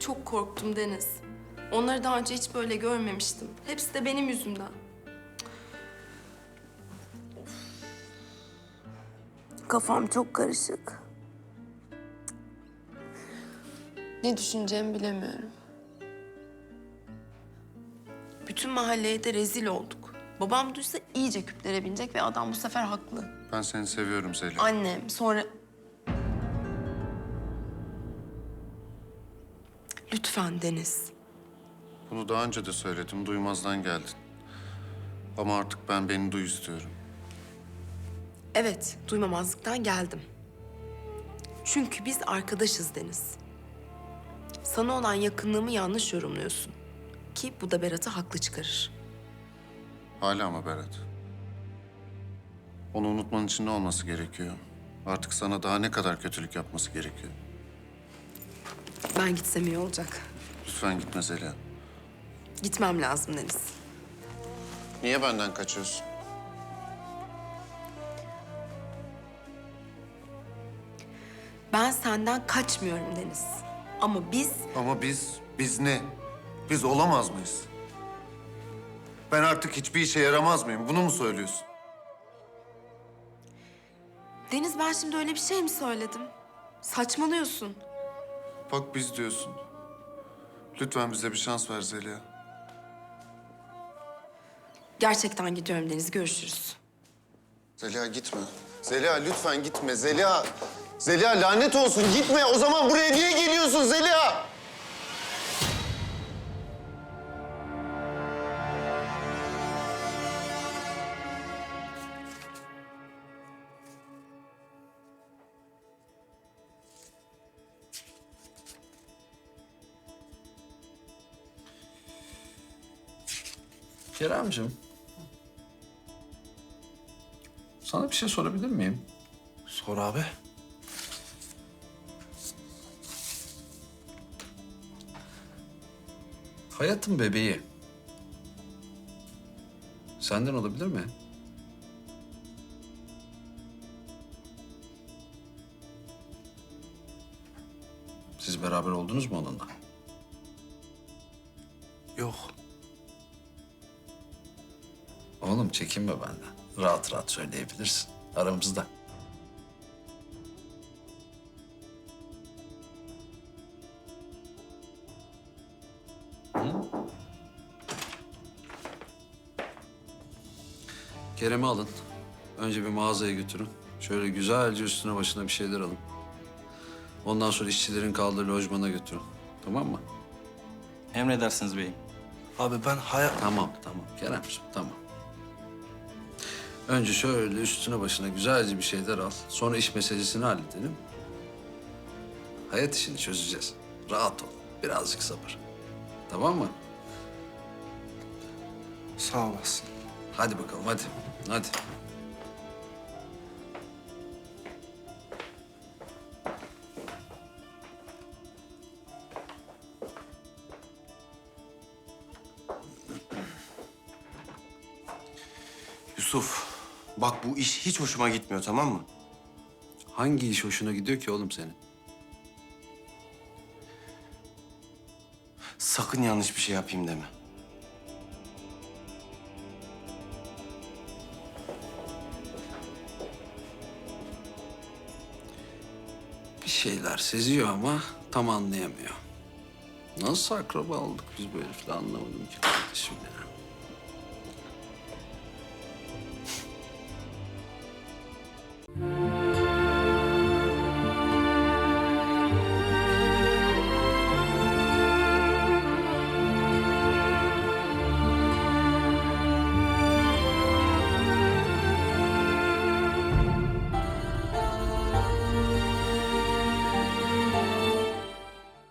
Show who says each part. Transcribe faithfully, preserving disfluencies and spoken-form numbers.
Speaker 1: çok korktum Deniz. Onları daha önce hiç böyle görmemiştim. Hepsi de benim yüzümden. Kafam çok karışık. Ne düşüneceğimi bilemiyorum. Bütün mahalleye de rezil olduk. Babam duysa iyice küplere binecek ve adam bu sefer haklı.
Speaker 2: Ben seni seviyorum Zeliha.
Speaker 1: Annem sonra... Lütfen Deniz.
Speaker 2: Bunu daha önce de söyledim, duymazdan geldin. Ama artık ben beni duy istiyorum.
Speaker 1: Evet, duymamazlıktan geldim. Çünkü biz arkadaşız Deniz. Sana olan yakınlığımı yanlış yorumluyorsun. Ki bu da Berat'ı haklı çıkarır.
Speaker 2: Hala mı Berat? Onu unutman için ne olması gerekiyor? Artık sana daha ne kadar kötülük yapması gerekiyor?
Speaker 1: Ben gitsem iyi olacak.
Speaker 2: Lütfen gitme Zeliha.
Speaker 1: Gitmem lazım Deniz.
Speaker 2: Niye benden kaçıyorsun?
Speaker 1: Ben senden kaçmıyorum Deniz. Ama biz...
Speaker 2: Ama biz, biz ne? Biz olamaz mıyız? Ben artık hiçbir işe yaramaz mıyım? Bunu mu söylüyorsun?
Speaker 1: Deniz ben şimdi öyle bir şey mi söyledim? Saçmalıyorsun.
Speaker 2: Bak biz diyorsun. Lütfen bize bir şans ver Zeliha.
Speaker 1: Gerçekten gidiyorum Deniz. Görüşürüz.
Speaker 2: Zeliha gitme. Zeliha lütfen gitme. Zeliha. Zeliha lanet olsun gitme. O zaman buraya niye geliyorsun Zeliha?
Speaker 3: Keremciğim. Sana bir şey sorabilir miyim?
Speaker 4: Sor abi.
Speaker 3: Hayatın bebeği senden olabilir mi? Siz beraber oldunuz mu onunla?
Speaker 4: Yok.
Speaker 3: Oğlum çekinme benden. Rahat rahat söyleyebilirsin. Aramızda. Hı? Kerem'i alın. Önce bir mağazaya götürün. Şöyle güzelce üstüne başına bir şeyler alın. Ondan sonra işçilerin kaldığı lojmana götürün. Tamam mı?
Speaker 4: Emredersiniz beyim. Abi ben hayat...
Speaker 3: Tamam, tamam. Keremciğim, tamam. Önce şöyle üstüne başına güzelce bir şeyler al. Sonra iş meselesini halledelim. Hayat işini çözeceğiz. Rahat ol. Birazcık sabır. Tamam mı?
Speaker 4: Sağ olasın.
Speaker 3: Hadi bakalım, hadi. Hadi.
Speaker 5: Yusuf, bak bu iş hiç hoşuma gitmiyor, tamam mı?
Speaker 3: Hangi iş hoşuna gidiyor ki oğlum senin?
Speaker 5: Sakın yanlış bir şey yapayım deme.
Speaker 3: Bir şeyler seziyor ama tam anlayamıyor. Nasıl akraba olduk biz bu herifle anlamadım ki kardeşim ya.